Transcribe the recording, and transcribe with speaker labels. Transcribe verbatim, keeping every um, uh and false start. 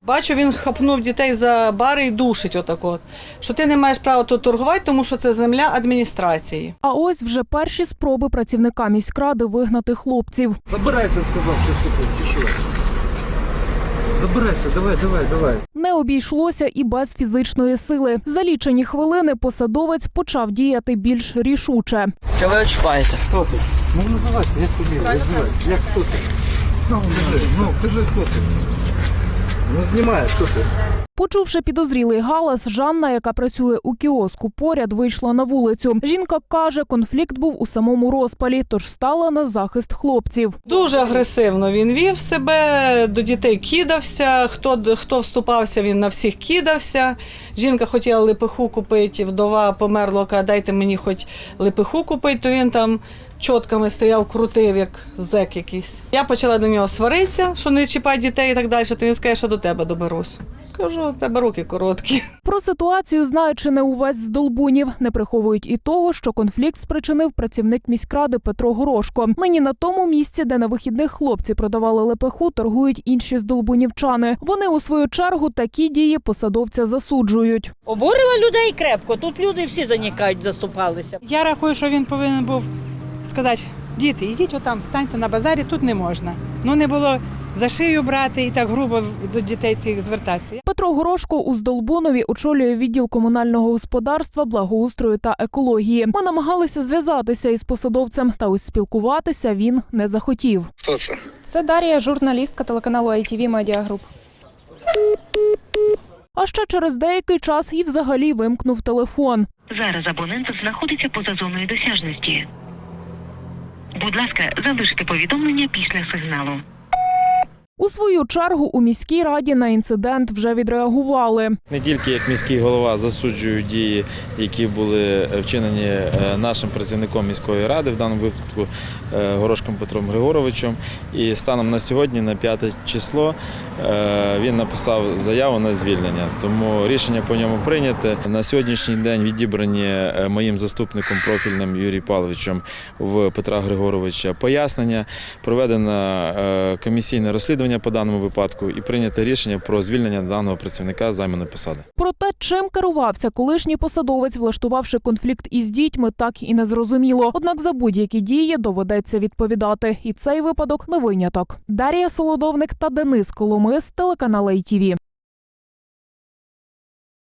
Speaker 1: Бачу, він хапнув дітей за бари і душить отак от, що ти не маєш права тут торгувати, тому що це земля адміністрації.
Speaker 2: А ось вже перші спроби працівника міськради вигнати хлопців.
Speaker 3: Забирайся, сказав, що секунд, чи що? Забирайся, давай, давай, давай.
Speaker 2: Не обійшлося і без фізичної сили. За лічені хвилини посадовець почав діяти більш рішуче.
Speaker 4: Що ви чіпаєте?
Speaker 3: Хто ти? Ну називайся, як тобі, називай. Як хто ти? Ну, кажи, ну, кажи, хто ти? Ну, знімай, хто ти?
Speaker 2: Почувши підозрілий галас, Жанна, яка працює у кіоску поряд, вийшла на вулицю. Жінка каже, конфлікт був у самому розпалі, тож стала на захист хлопців.
Speaker 1: Дуже агресивно він вів себе, до дітей кидався, хто, хто вступався, він на всіх кидався. Жінка хотіла лепеху купити, вдова померла, каже, дайте мені хоч лепеху купити, то він там чотками стояв, крутив, як зек якийсь. Я почала до нього сваритися, що не чіпай дітей і так далі, то він скаже, що до тебе доберусь. Кажу, у тебе руки короткі.
Speaker 2: Про ситуацію знають чи не увесь з Долбунів. Не приховують і того, що конфлікт спричинив працівник міськради Петро Горошко. Нині на тому місці, де на вихідних хлопці продавали лепеху, торгують інші здолбунівчани. Вони, у свою чергу, такі дії посадовця засуджують.
Speaker 5: Обурила людей крепко, тут люди всі занікають, заступалися.
Speaker 6: Я рахую, що він повинен був сказати, діти, ідіть отам, станьте на базарі, тут не можна. Ну не було за шию брати і так грубо до дітей цих звертатися.
Speaker 2: Петро Горошко у Здолбунові очолює відділ комунального господарства, благоустрою та екології. Ми намагалися зв'язатися із посадовцем, та ось спілкуватися він не захотів.
Speaker 3: Хто це?
Speaker 7: Це Дар'я, журналістка телеканалу ай ті ві Media Group.
Speaker 2: А ще через деякий час і взагалі вимкнув телефон.
Speaker 8: Зараз абонент знаходиться поза зоною досяжності. Будь ласка, залиште повідомлення після сигналу.
Speaker 2: У свою чергу у міській раді на інцидент вже відреагували.
Speaker 9: Не тільки як міський голова засуджую дії, які були вчинені нашим працівником міської ради, в даному випадку Горошком Петром Григоровичем. І станом на сьогодні, на п'яте число, він написав заяву на звільнення. Тому рішення по ньому прийняте. На сьогоднішній день відібрані моїм заступником профільним Юрієм Павловичем в Петра Григоровича пояснення, проведено комісійне розслідування по даному випадку і прийняте рішення про звільнення даного працівника з займаної посади.
Speaker 2: Про те, чим керувався колишній посадовець, влаштувавши конфлікт із дітьми, так і не зрозуміло. Однак за будь-які дії доведеться відповідати. І цей випадок не виняток. Дар'я Солодовник та Денис Коломис, телеканал ай ті ві.